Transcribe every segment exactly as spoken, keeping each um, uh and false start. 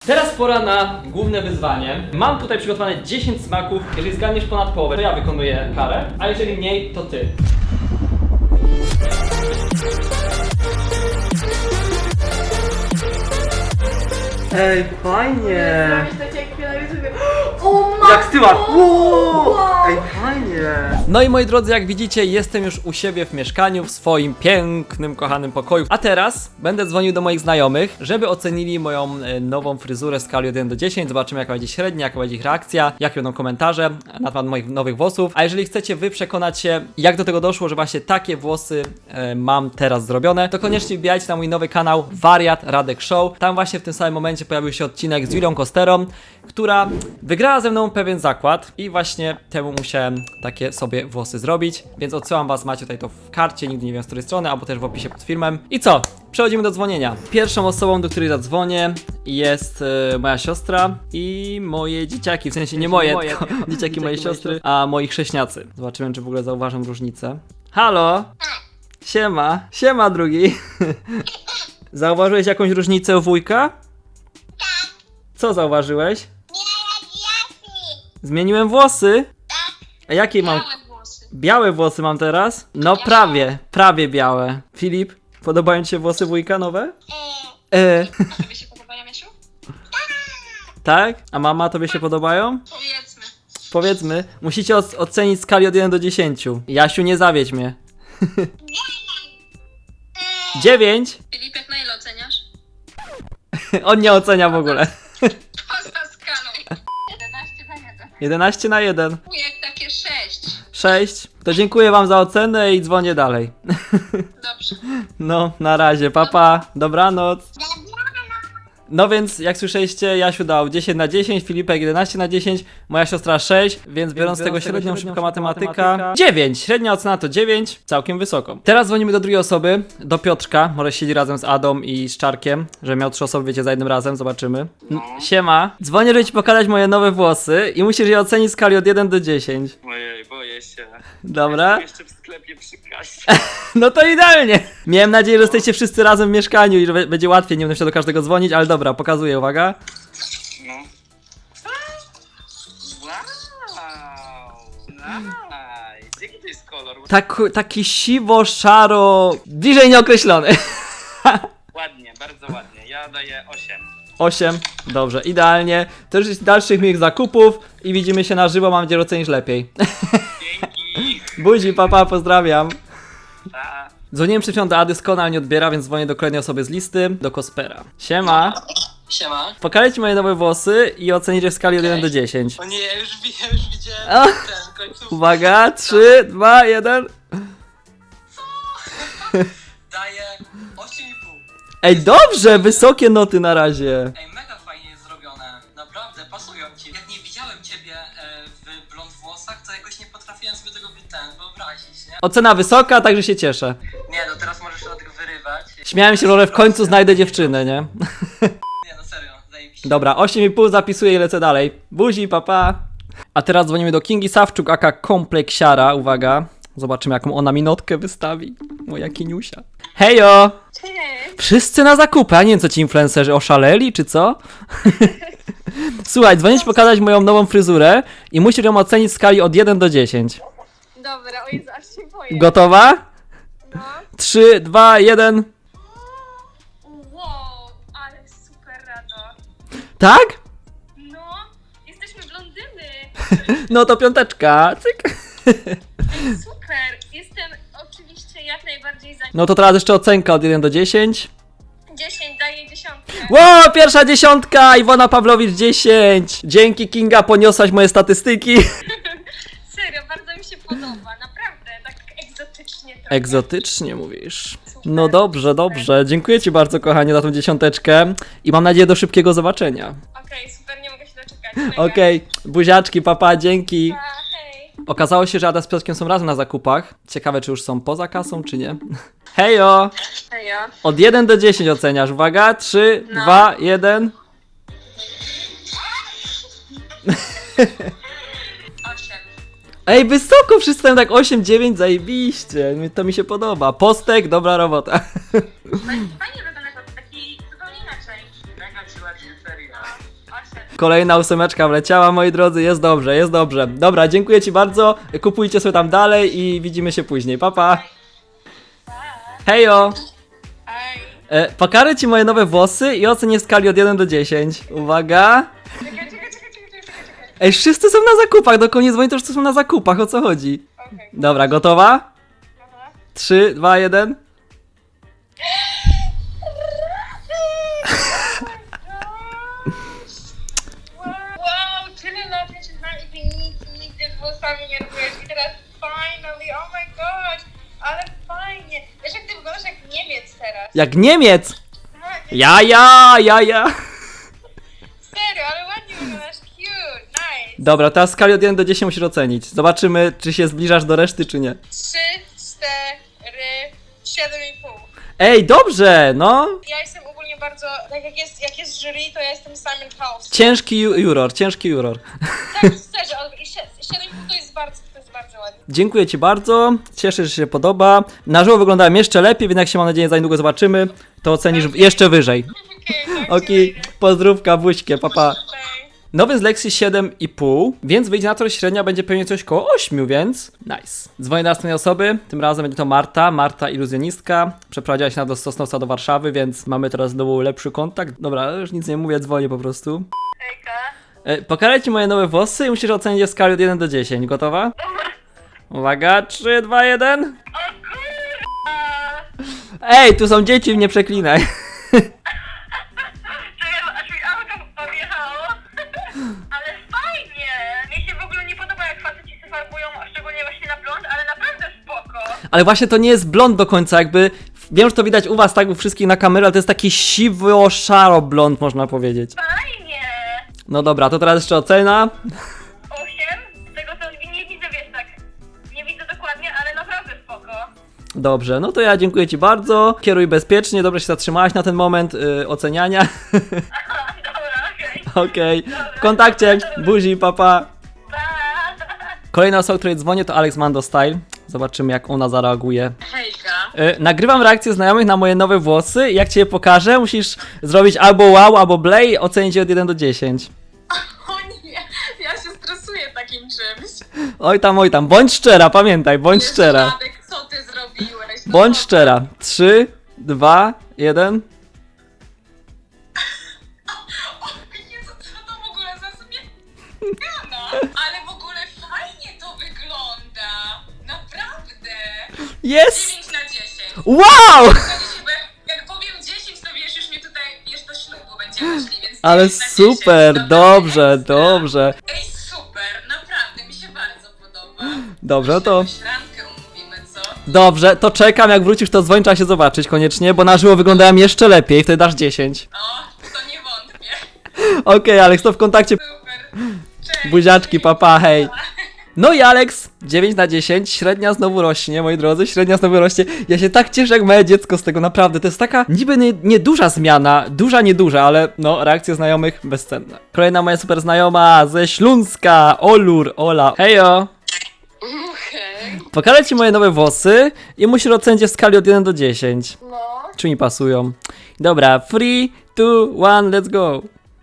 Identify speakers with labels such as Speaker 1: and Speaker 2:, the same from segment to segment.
Speaker 1: Teraz pora na główne wyzwanie. Mam tutaj przygotowane dziesięć smaków. Jeżeli zgadniesz ponad połowę, to ja wykonuję karę, a jeżeli mniej, to ty. Ej, fajnie!
Speaker 2: Tak jak na YouTubie. O matko!
Speaker 1: Jak ty masz?
Speaker 2: Wow!
Speaker 1: Ej, fajnie! No i moi drodzy, jak widzicie, jestem już u siebie w mieszkaniu, w swoim pięknym, kochanym pokoju. A teraz będę dzwonił do moich znajomych, żeby ocenili moją e, nową fryzurę w skali od jeden do dziesięciu. Zobaczymy, jaka będzie średnia, jaka będzie ich reakcja, jakie będą komentarze na temat moich nowych włosów. A jeżeli chcecie wy przekonać się, jak do tego doszło, że właśnie takie włosy e, mam teraz zrobione, to koniecznie wbijajcie na mój nowy kanał Wariat Radek Show. Tam właśnie w tym samym momencie pojawił się odcinek z Julią Kosterą, która wygrała ze mną pewien zakład i właśnie temu musiałem takie sobie włosy zrobić, więc odsyłam was, macie tutaj to w karcie, nigdy nie wiem z której strony, albo też w opisie pod filmem. I co? Przechodzimy do dzwonienia. Pierwszą osobą, do której zadzwonię, jest e, moja siostra i moje dzieciaki, w sensie nie moje, moje tylko dzieciaki, dzieciaki mojej siostry, a moi chrześniacy. Zobaczymy, czy w ogóle zauważam różnicę. Halo? Siema. Siema, drugi. Zauważyłeś jakąś różnicę u wujka? Co zauważyłeś? Zmieniłem włosy? A jakie mam?
Speaker 3: Białe włosy.
Speaker 1: Białe włosy mam teraz? No prawie, prawie białe. Filip, podobają ci się włosy wujka nowe? E.
Speaker 3: A tobie się podobają, Jasiu?
Speaker 1: Tak? A mama, tobie się podobają?
Speaker 3: Powiedzmy.
Speaker 1: Powiedzmy, musicie oc- ocenić w skali od jeden do dziesięciu. Jasiu, nie zawiedź mnie. dziewięć?
Speaker 3: Filipek, na ile oceniasz?
Speaker 1: On nie ocenia w ogóle.
Speaker 3: Poza skalą. jedenaście na jeden.
Speaker 1: jedenaście na jeden.
Speaker 3: Wujek takie sześć.
Speaker 1: sześć. To dziękuję wam za ocenę i dzwonię dalej.
Speaker 3: Dobrze.
Speaker 1: No, na razie, papa, dobranoc. No więc, jak słyszeliście, Jasiu dał dziesięć na dziesięć, Filipek jedenaście na dziesięć, moja siostra sześć, więc biorąc z tego średnią, szybka matematyka, dziewięć, średnia ocena to dziewięć, całkiem wysoko. Teraz dzwonimy do drugiej osoby, do Piotrka, może siedzi razem z Adą i z Czarkiem, że miał trzy osoby, wiecie, za jednym razem, zobaczymy. N- Siema, dzwonię, żeby ci pokazać moje nowe włosy i musisz je ocenić w skali od jeden do dziesięciu.
Speaker 4: Ojej, boję się.
Speaker 1: Dobra?
Speaker 4: Jestem jeszcze w sklepie przy kasie.
Speaker 1: No to idealnie! Miałem nadzieję, że jesteście wszyscy razem w mieszkaniu i że będzie łatwiej, nie będę musiał do każdego dzwonić, ale dobra, pokazuję, uwaga.
Speaker 4: No. Wow! Nice! Jaki to jest kolor?
Speaker 1: Tak, taki siwo-szaro, bliżej nieokreślony.
Speaker 4: Ładnie, bardzo ładnie. Ja daję osiem.
Speaker 1: osiem, dobrze, idealnie. To już jest dalszych moich zakupów i widzimy się na żywo, mam nadzieję, że ocenisz lepiej.
Speaker 4: Dzięki!
Speaker 1: Buzi, papa, pozdrawiam.
Speaker 4: Pa.
Speaker 1: Dzwoniłem przed chwilą do Ady, Skona nie odbiera, więc dzwonię do kolejnej osoby z listy, do Kospera. Siema.
Speaker 4: Siema.
Speaker 1: Pokażę ci moje nowe włosy i ocenisz je w skali od jeden do dziesięciu.
Speaker 4: O nie, ja już, wi- ja już widziałem
Speaker 1: O.
Speaker 4: ten końcówkę.
Speaker 1: Uwaga, trzy, dwa, jeden.
Speaker 4: Daję osiem i pół.
Speaker 1: Ej, dobrze, wysokie noty na razie.
Speaker 5: Ej, mega fajnie jest zrobione, naprawdę, pasują ci. Jak nie widziałem ciebie e, w blond włosach, to jakoś nie potrafiłem sobie tego wy- ten, wyobrazić, nie?
Speaker 1: Ocena wysoka, także się cieszę.
Speaker 5: Nie, no teraz możesz się do tego wyrywać.
Speaker 1: Śmiałem się, że w końcu znajdę dziewczynę, nie?
Speaker 5: Nie, no serio, zajebiście.
Speaker 1: Dobra, osiem i pół zapisuję i lecę dalej. Buzi, papa. A teraz dzwonimy do Kingi Sawczuk, aka Kompleksiara. Uwaga, zobaczymy jaką ona minotkę wystawi. Moja Kiniusia. Hejo!
Speaker 2: Cześć!
Speaker 1: Wszyscy na zakupy, a nie wiem co ci influencerzy oszaleli, czy co? Słuchaj, dzwonię ci pokazać moją nową fryzurę i musisz ją ocenić w skali od jeden do dziesięciu.
Speaker 2: Dobra, o Jezu, aż się boję.
Speaker 1: Gotowa?
Speaker 2: No.
Speaker 1: trzy, dwa, jeden.
Speaker 2: Wow, ale super rado.
Speaker 1: Tak?
Speaker 2: No, jesteśmy blondyny.
Speaker 1: No to piąteczka. Cyk.
Speaker 2: Ej, super, jestem oczywiście jak najbardziej za
Speaker 1: No to teraz jeszcze ocenka od jeden do dziesięciu.
Speaker 2: dziesięć, daję dziesiątkę.
Speaker 1: Ło, pierwsza dziesiątka! Iwona Pawlowicz dziesięć. Dzięki, Kinga, poniosłaś moje statystyki.
Speaker 2: Serio, bardzo mi się podoba, naprawdę, tak egzotycznie to.
Speaker 1: Egzotycznie mówisz. No dobrze, dobrze. Dziękuję ci bardzo, kochanie, za tą dziesiąteczkę i mam nadzieję do szybkiego zobaczenia.
Speaker 2: Okej, super, nie mogę się doczekać. Mega.
Speaker 1: Okej, buziaczki, papa, dzięki.
Speaker 2: Pa, hej.
Speaker 1: Okazało się, że Ada z Piotrkiem są razem na zakupach. Ciekawe, czy już są poza kasą, czy nie. Hejo!
Speaker 2: Hejo.
Speaker 1: Od jeden do dziesięciu oceniasz. Uwaga, trzy,
Speaker 2: No.
Speaker 1: dwa, jeden.
Speaker 3: osiem.
Speaker 1: Ej, wysoko, wszyscy tam tak osiem, dziewięć, zajebiście. To mi się podoba. Postek, dobra robota.
Speaker 3: Fajnie wygląda to taki zupełnie inaczej.
Speaker 4: Mega ci ładnie, serio.
Speaker 1: Kolejna ósemeczka wleciała, moi drodzy, jest dobrze, jest dobrze. Dobra, dziękuję ci bardzo, kupujcie sobie tam dalej i widzimy się później, pa pa. Hejo! E, pokażę ci moje nowe włosy i ocenię w skali od jeden do dziesięciu. Uwaga!
Speaker 2: Czekaj, czekaj, czekaj, czekaj, czekaj, czekaj.
Speaker 1: Ej, wszyscy są na zakupach, do koniec dzwoni, to już są na zakupach, o co chodzi?
Speaker 2: Okej.
Speaker 1: Dobra, gotowa?
Speaker 2: Aha.
Speaker 1: trzy, dwa, jeden.
Speaker 2: Wow, tyle lat nie czytałam i ty nic nigdy z włosami nie robiłeś i teraz finally, oh my gosh, ale fajnie. Wiesz jak ty wyglądasz jak Niemiec teraz.
Speaker 1: Jak Niemiec!
Speaker 2: Tak,
Speaker 1: Ja, ja, ja, ja.
Speaker 2: serio, ale ładnie wyglądasz, cute, nice.
Speaker 1: Dobra, teraz w skali od jeden do dziesięciu musisz ocenić. Zobaczymy, czy się zbliżasz do reszty, czy nie.
Speaker 2: Trzy, cztery, siedem i pół.
Speaker 1: Ej, dobrze, no.
Speaker 2: Ja jestem ogólnie bardzo, tak jak jest, jak jest jury, to ja jestem Simon Cowell.
Speaker 1: Ciężki ju- juror, ciężki juror.
Speaker 2: Tak, szczerze, ale i sie- siedem i pół to jest bardzo, to jest bardzo ładnie.
Speaker 1: Dziękuję ci bardzo, cieszę się, że się podoba. Na żywo wyglądałem jeszcze lepiej, więc jak się mam nadzieję za niedługo zobaczymy, to ocenisz jeszcze wyżej.
Speaker 2: Okej, tak,
Speaker 1: Okej, pozdrówka, buźkie, papa.
Speaker 2: Bye.
Speaker 1: Nowy z Lexi siedem i pół, więc wyjdzie na to, że średnia będzie pewnie coś koło ośmiu, więc nice. Dzwonię do następnej osoby, tym razem będzie to Marta, Marta iluzjonistka. Przeprowadziła się na do Sosnowca do Warszawy, więc mamy teraz znowu lepszy kontakt. Dobra, już nic nie mówię, dzwonię po prostu.
Speaker 2: Hejka.
Speaker 1: E, pokażę ci moje nowe włosy i musisz ocenić je w skali od jeden do dziesięciu. Gotowa? Uwaga, trzy, dwa, jeden.
Speaker 2: O kurwa!
Speaker 1: Ej, tu są dzieci, mnie przeklinaj.
Speaker 2: Czekaj, aż mi auto odjechało. Ale fajnie! Mi się w ogóle nie podoba, jak faceci się farbują, szczególnie właśnie na blond, ale naprawdę spoko.
Speaker 1: Ale właśnie to nie jest blond do końca, jakby... Wiem, że to widać u was, tak, u wszystkich na kamerę, ale to jest taki siwo-szaro blond, można powiedzieć.
Speaker 2: Fajnie!
Speaker 1: No dobra, to teraz jeszcze ocena.
Speaker 2: Osiem? Z tego co nie widzę, wiesz, tak, nie widzę dokładnie, ale naprawdę spoko.
Speaker 1: Dobrze, no to ja dziękuję ci bardzo. Kieruj bezpiecznie, dobrze się zatrzymałaś na ten moment yy, oceniania.
Speaker 2: Aha, dobra, okej.
Speaker 1: Okej, w kontakcie, buzi, papa.
Speaker 2: Pa!
Speaker 1: Kolejna osoba, której dzwonię, to Alex Mando Style. Zobaczymy, jak ona zareaguje.
Speaker 3: Hejka.
Speaker 1: Yy, nagrywam reakcję znajomych na moje nowe włosy i jak ci je pokażę, musisz zrobić albo wow, albo blej i ocenić je od jeden do dziesięciu.
Speaker 3: O nie, ja się stresuję takim czymś.
Speaker 1: Oj tam, oj tam, bądź szczera, pamiętaj, bądź
Speaker 3: Jezu,
Speaker 1: szczera.
Speaker 3: Radek, co ty zrobiłeś? No
Speaker 1: Bądź
Speaker 3: co?
Speaker 1: szczera. trzy, dwa, jeden.
Speaker 3: O Jezu, co to w ogóle za zmiana? Ale w ogóle fajnie to wygląda. Naprawdę.
Speaker 1: Jest!
Speaker 3: dziewięć na dziesięć.
Speaker 1: Wow!
Speaker 3: Zgadza się, bo jak- Jak powiem dziesięć, to wiesz, już mnie tutaj, wiesz, do ślubu będziemy szli, więc
Speaker 1: Ale
Speaker 3: dziewięć na dziesięć.
Speaker 1: super,
Speaker 3: To
Speaker 1: dobrze,
Speaker 3: ekstra.
Speaker 1: dobrze.
Speaker 3: Ej, super, naprawdę, mi się bardzo podoba.
Speaker 1: Dobrze,
Speaker 3: Może
Speaker 1: to...
Speaker 3: jakąś randkę umówimy, co?
Speaker 1: Dobrze, to czekam, jak wrócisz, to dzwoń, trzeba się zobaczyć koniecznie, bo na żywo wyglądałem jeszcze lepiej, wtedy dasz dziesięć.
Speaker 3: O, to nie wątpię.
Speaker 1: Okej, Alex, to w kontakcie.
Speaker 3: Super. Cześć.
Speaker 1: Buziaczki, papa, hej. No i Alex, dziewięć na dziesięć, średnia znowu rośnie, moi drodzy, średnia znowu rośnie. Ja się tak cieszę jak moje dziecko z tego, naprawdę. To jest taka niby nie, nieduża zmiana, duża, nieduża, ale no, reakcje znajomych bezcenne. Kolejna moja super znajoma ze Śląska, Olur, Ola. Hejo!
Speaker 3: Hej.
Speaker 1: Pokażę ci moje nowe włosy i musisz ocenić je w skali od jeden do dziesięciu.
Speaker 3: No.
Speaker 1: Czy mi pasują? Dobra, three, two, one, let's go.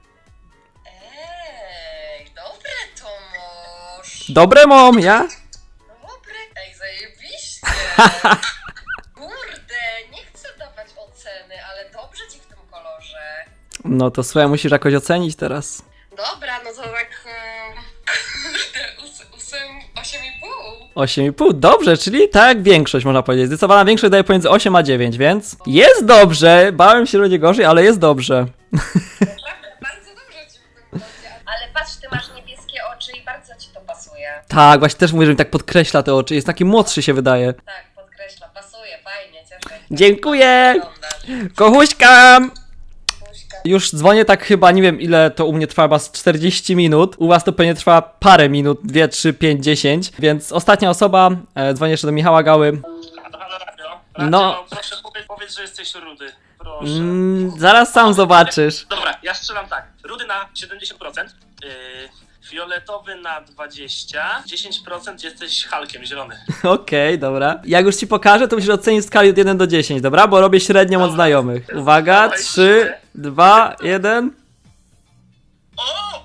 Speaker 3: Ej, dobre to mąż.
Speaker 1: Dobre mom, ja?
Speaker 3: Dobre. Ej, zajebiście. Kurde, nie chcę dawać oceny, ale dobrze ci w tym kolorze.
Speaker 1: No to słuchaj, musisz jakoś ocenić teraz.
Speaker 3: Dobra, no to tak... em, Kurde, ós- ósem, osiem i pół.
Speaker 1: osiem i pół, dobrze, czyli tak jak większość można powiedzieć. Zdecydowana większość daje pomiędzy osiem a dziewięć, więc jest dobrze. Bałem się, że będzie gorzej, ale jest dobrze.
Speaker 3: Naprawdę, bardzo dobrze ci w tym kolorze. Ale patrz, ty masz niebieskie oczy i bardzo ci to pasuje.
Speaker 1: Tak, właśnie też mówię, że mi tak podkreśla te oczy. Jest taki młodszy się wydaje.
Speaker 3: Tak, podkreślam, pasuje, fajnie, cieszę się.
Speaker 1: Dziękuję!
Speaker 3: Wyglądasz.
Speaker 1: Kochuśkam!
Speaker 3: Buźka.
Speaker 1: Już dzwonię tak chyba, nie wiem ile to u mnie trwa, chyba z czterdzieści minut. U was to pewnie trwa parę minut, dwie, trzy, pięć, dziesięć. Więc ostatnia osoba, e, dzwonię jeszcze do Michała Gały.
Speaker 4: Halo, halo, radio.
Speaker 1: No.
Speaker 4: No. Proszę powiedz, powiedz, że jesteś rudy. Proszę.
Speaker 1: Mm, zaraz sam zobaczysz.
Speaker 4: Dobra, ja strzelam tak. Rudy na siedemdziesiąt procent. Yy, fioletowy na dwadzieścia procent. dziesięć procent jesteś Hulkiem, zielony.
Speaker 1: Okej, dobra. Jak już ci pokażę, to musisz ocenić w skali od jeden do dziesięciu, dobra? Bo robię średnią od
Speaker 4: Dobra.
Speaker 1: znajomych. Uwaga,
Speaker 4: Dawaj,
Speaker 1: trzy, dwa, jeden.
Speaker 4: O,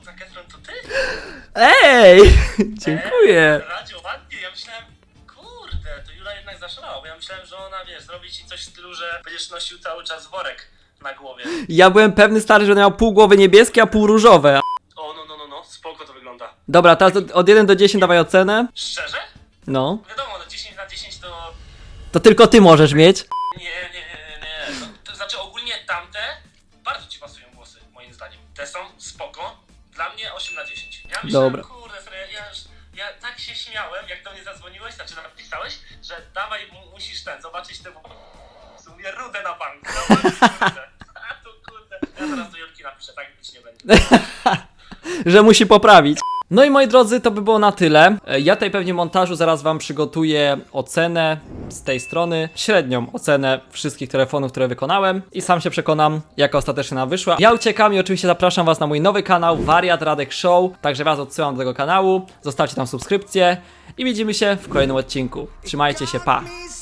Speaker 4: Zac Efron to ty?
Speaker 1: Ej! Dziękuję.
Speaker 4: Eee, Radziu, ładnie, ja myślałem, kurde, to Jula jednak zaszalała, bo ja myślałem, że ona, wiesz, zrobi ci coś w stylu, że będziesz nosił cały czas worek na głowie.
Speaker 1: Ja byłem pewny, stary, że miał pół głowy niebieskie, a pół różowe.
Speaker 4: O, no, no, no, no, spoko to wygląda.
Speaker 1: Dobra, teraz od, od jeden do dziesięciu dawaj ocenę.
Speaker 4: Szczerze?
Speaker 1: No.
Speaker 4: Wiadomo, no dziesięć na dziesięć to...
Speaker 1: To tylko ty możesz mieć.
Speaker 4: Nie, nie, nie, nie, nie. No, to znaczy ogólnie tamte bardzo ci pasują włosy, moim zdaniem. Te są spoko. Dla mnie osiem na dziesięć. Ja myślałem,
Speaker 1: Dobra.
Speaker 4: kurde, Fre, ja, już, ja tak się śmiałem, jak do mnie zadzwoniłeś, znaczy nawet pisałeś, że dawaj, mu- musisz ten, zobaczyć te włosy. Mówię, rudę na bank, na bank rudę. A tu kurde. Ja teraz do Julki napiszę, tak być nie będzie.
Speaker 1: Że musi poprawić. No i moi drodzy, to by było na tyle. E, Ja tutaj pewnie w montażu zaraz wam przygotuję ocenę z tej strony, średnią ocenę wszystkich telefonów, które wykonałem i sam się przekonam, jaka ostatecznie nam wyszła. Ja uciekam i oczywiście zapraszam was na mój nowy kanał Wariat Radek Show, także was odsyłam do tego kanału, zostawcie tam subskrypcję i widzimy się w kolejnym odcinku. Trzymajcie się, pa!